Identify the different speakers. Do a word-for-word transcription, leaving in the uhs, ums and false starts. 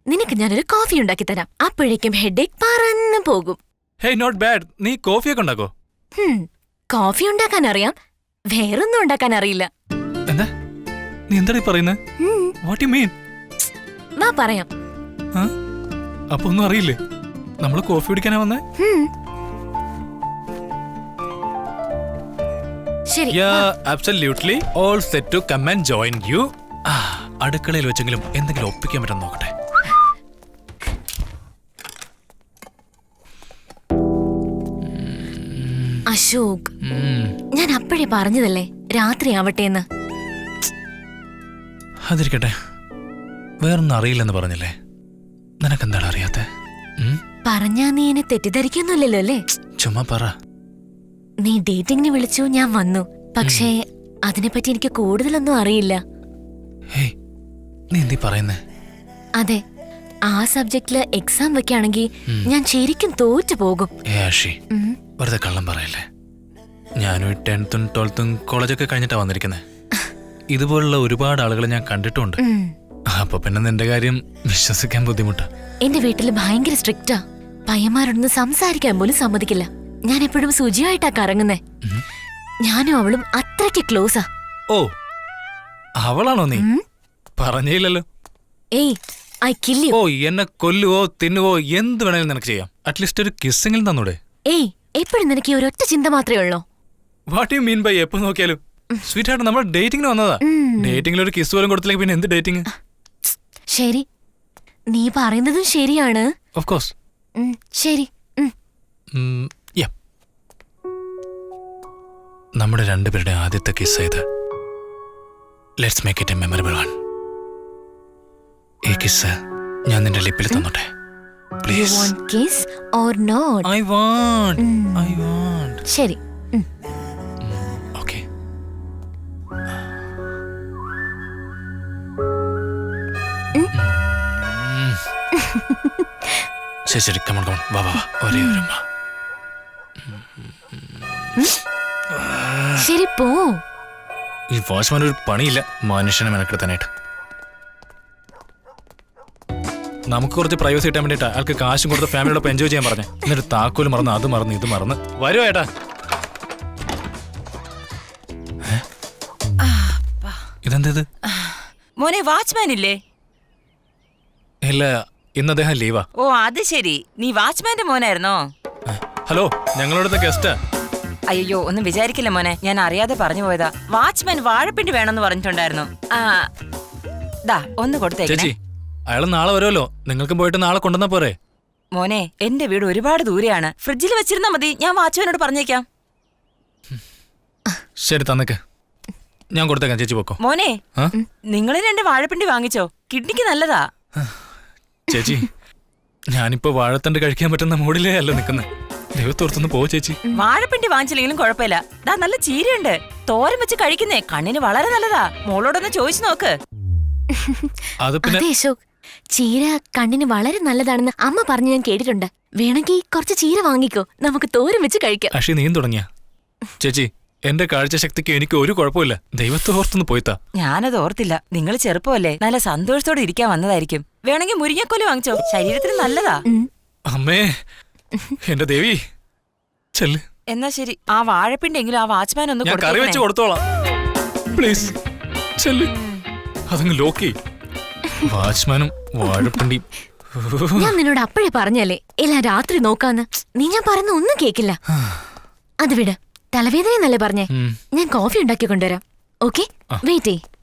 Speaker 1: നിനക്ക് ഞാനൊരു കോഫി ഉണ്ടാക്കി തരാം. അപ്പോഴേക്കും ഹെഡേക്ക് പറന്നു പോകും.
Speaker 2: Hey not bad. നീ കോഫിയൊക്കെ ഉണ്ടാക്കോ?
Speaker 1: കോഫി ഉണ്ടാക്കാൻ അറിയാം, വേറൊന്നും ഉണ്ടാക്കാൻ അറിയില്ല.
Speaker 2: എന്താ നീ എന്താ പറയുന്നത്? What you mean?
Speaker 1: വാ പറയാം.
Speaker 2: അപ്പൊ ഒന്നും അറിയില്ലേ? നമ്മള് കോഫി കുടിക്കാനാ വന്നേ?
Speaker 1: ശരി.
Speaker 2: Absolutely. All set to come and join you. അടുക്കളയിൽ വെച്ചെങ്കിലും എന്തെങ്കിലും ഒപ്പിക്കാൻ പറ്റും നോക്കട്ടെ.
Speaker 1: അശോക്, ഞാൻ അപ്പോഴേ പറഞ്ഞതല്ലേ രാത്രി ആവട്ടെ എന്ന്.
Speaker 2: അതിരിക്കട്ടെ, വേറൊന്നും അറിയില്ലെന്ന് പറഞ്ഞില്ലേ? നിനക്കെന്താണ് അറിയാത്തെ?
Speaker 1: പറഞ്ഞാ നീ എന്നെ തെറ്റിദ്ധരിക്കൊന്നുമില്ലല്ലോ അല്ലേ?
Speaker 2: ചുമ്മാ പറ.
Speaker 1: നീ ഡേറ്റിംഗിന് വിളിച്ചു, ഞാൻ വന്നു. പക്ഷേ അതിനെപ്പറ്റി എനിക്ക് കൂടുതലൊന്നും അറിയില്ല.
Speaker 2: നീ എന്തി പറയുന്നേ?
Speaker 1: അതെ, ആ സബ്ജക്റ്റില് എക്സാം വെക്കുകയാണെങ്കിൽ ഞാൻ ശരിക്കും തോറ്റു പോകും.
Speaker 2: വെറുതെ കള്ളം പറയല്ലേ. ഞാനും ടെൻത്തും ട്വൽത്തും കോളേജൊക്കെ കഴിഞ്ഞിട്ടാ വന്നിരിക്കുന്നത്. ഇതുപോലുള്ള ഒരുപാട് ആളുകളെ ഞാൻ കണ്ടിട്ടുണ്ട്. അപ്പൊ പിന്നെ നിന്റെ കാര്യം വിശ്വസിക്കാൻ ബുദ്ധിമുട്ടാ.
Speaker 1: എന്റെ വീട്ടില് ഭയങ്കര സ്ട്രിക്റ്റാ. പയ്യന്മാരോടൊന്നും സംസാരിക്കാൻ പോലും സമ്മതിക്കില്ല. ഞാൻ എപ്പോഴും സുജിയായിട്ടാ കറങ്ങുന്നേ. ഞാനും അവളും അത്രയ്ക്ക് ക്ലോസാ.
Speaker 2: ഓ, അവളാണോ നീ? പറഞ്ഞില്ലല്ലോ.
Speaker 1: ഏയ്, ഐ കിൽ യു.
Speaker 2: ഓ, എന്നെ കൊല്ലുവോ തിന്നുവോ എന്ത് വേണേലും നിനക്ക് ചെയ്യാം. അറ്റ്ലീസ്റ്റ് ഒരു കിസ്സെങ്കിലും തന്നൂടെ?
Speaker 1: ഏയ്, എപ്പോഴും നിനക്ക് ഈ ഒരൊറ്റ ചിന്ത മാത്രമേ ഉള്ളൂ.
Speaker 2: വാട്ട് യു മീൻ ബൈ എപ്പോ നോക്കിയാലും? സ്വീറ്റ് ആയിട്ട് നമ്മൾ ഡേറ്റിംഗിന് വന്നതാ. ഡേറ്റിംഗിൽ ഒരു കിസ് പോലും കൊടുത്തില്ലെങ്കിൽ പിന്നെ എന്ത് ഡേറ്റിംഗ്?
Speaker 1: ശരി, നീ പറയുന്നതും ശരിയാണ്.
Speaker 2: Of course.
Speaker 1: ശരി.
Speaker 2: നമ്മുടെ രണ്ടുപേരുടെ ആദ്യത്തെ കിസ് ഇത്. Let's make it a memorable one. ഈ കിസ് ഞാൻ നിന്റെ ലിപ്പിൽ തന്നോട്ടെ please.
Speaker 1: You want kiss or not?
Speaker 2: I want. I want.
Speaker 1: ശരി.
Speaker 2: Okay. ശരി ശരി, കമോൺ കമോൺ, വാ വാ, ഒരേ ഒരു ഉമ്മ.
Speaker 1: ശരി, പോ.
Speaker 2: ഈ വാച്ച്മാൻ ഒരു പണിയില്ല മനുഷ്യനെ മെനക്കെടുത്താനായിട്ട്. നമുക്ക് കുറച്ച് പ്രൈവസി കിട്ടാൻ വേണ്ടിട്ടാ അയാൾക്ക് കാശും കൊടുത്ത് ഫാമിലിയോടൊപ്പം എൻജോയ് ചെയ്യാൻ പറഞ്ഞു. എന്നിട്ട് താക്കോല് മറന്ന് അത് മറന്ന് ഇത് മറന്ന് വരുവോ ഏട്ടാ? ഇതെന്തത്?
Speaker 3: മോനെ, വാച്ച്മാൻ ഇല്ലേ?
Speaker 2: ഇല്ല, ഇന്ന് അദ്ദേഹം ലീവാ.
Speaker 3: ഓ, അത് ശരി. നീ വാച്ച്മാന്റെ മോനായിരുന്നോ?
Speaker 2: ഹലോ, ഞങ്ങളോടത്തെ ഗസ്റ്റാ.
Speaker 3: അയ്യോ, ഒന്നും വിചാരിക്കില്ല മോനെ, ഞാൻ അറിയാതെ പറഞ്ഞു പോയതാ. വാച്ച്മാൻ വാഴപ്പിണ്ടി വേണമെന്ന് പറഞ്ഞിട്ടുണ്ടായിരുന്നു. ആ, ദാ ഒന്ന് കൊടുത്തേക്കേ.
Speaker 2: ചേച്ചി, അയാൾ നാളെ വരുമല്ലോ, നിങ്ങൾക്കും പോയിട്ട് നാളെ കൊണ്ടുവന്നാ പോരെ?
Speaker 3: മോനെ, എന്റെ വീട് ഒരുപാട് ദൂരെയാണ്. ഫ്രിഡ്ജിൽ വെച്ചിരുന്നാ മതി, ഞാൻ വാച്ച്മാനോട് പറഞ്ഞേക്കാം.
Speaker 2: ശരി, തന്നേക്ക്, ഞാൻ കൊടുത്തേക്കാം. ചേച്ചി പോക്കോ.
Speaker 3: മോനെ, നിങ്ങൾ രണ്ട് വാഴപ്പിണ്ടി വാങ്ങിച്ചോ, കിഡ്നിക്ക് നല്ലതാ.
Speaker 2: ചേച്ചി, ഞാനിപ്പോ വാഴത്തണ്ട് കഴിക്കാൻ പറ്റുന്ന മൂഡിലേ അല്ല നിക്കുന്നത്. ദൈവത്തോർത്തൊന്ന് പോ ചേച്ചി.
Speaker 3: വാഴപ്പിണ്ടി വാങ്ങിച്ചില്ലെങ്കിലും കുഴപ്പമില്ല. ദാ നല്ല ചീരയുണ്ട്, തോരൻ വെച്ച് കഴിക്കുന്നേ കണ്ണിന് വളരെ നല്ലതാ. മോളോടൊന്ന് ചോദിച്ചു നോക്ക്.
Speaker 2: അത് പിന്നെ
Speaker 1: അശോക്, ചീര കണ്ണിന് വളരെ നല്ലതാണെന്ന് അമ്മ പറഞ്ഞു ഞാൻ കേട്ടിട്ടുണ്ട്. വേണമെങ്കിൽ കുറച്ച് ചീര വാങ്ങിക്കോ, നമുക്ക് തോരൻ വെച്ച് കഴിക്കാം.
Speaker 2: അക്ഷി, നീയും തുടങ്ങിയ? ചേച്ചി, എന്റെ കാഴ്ചശക്തിക്ക് എനിക്ക് ഒരു കുഴപ്പമില്ല. ദൈവത്തെ ഓർത്തൊന്ന് പോയിത്താ.
Speaker 3: ഞാനത് ഓർത്തില്ല. നിങ്ങൾ ചെറുപ്പമല്ലേ, നല്ല സന്തോഷത്തോടെ ഇരിക്കാൻ വന്നതായിരിക്കും. വേണമെങ്കിൽ മുരിങ്ങക്കോല് വാങ്ങിച്ചോ, ശരീരത്തിന് നല്ലതാ.
Speaker 2: അമ്മേ, എന്റെ ദേവി, ചെല്ല്.
Speaker 3: എന്നാ ശരി, ആ വാഴപ്പിണ്ടി എങ്കിലും ആ വാച്ച്മാൻ ഒന്ന്
Speaker 2: ഞാൻ കറി വെച്ച് കൊടുത്തോളാം. പ്ലീസ് ചെല്ല്. അതങ്ങ് ലോക്കി. വാച്ച്മാനും വാഴപ്പിണ്ടി.
Speaker 1: ഞാൻ നിന്നോട് അപ്പോഴേ പറഞ്ഞല്ലേ എല്ലാം രാത്രി നോക്കാന്ന്. നീ ഞാൻ പറയുന്ന ഒന്നും കേക്കില്ല. അത് വിട്, തലവേദനയെന്നല്ലേ പറഞ്ഞേ. ഞാൻ കോഫി ഉണ്ടാക്കി കൊണ്ടുവരാം. ഓക്കെ, വെയിറ്റ് ചെയ്.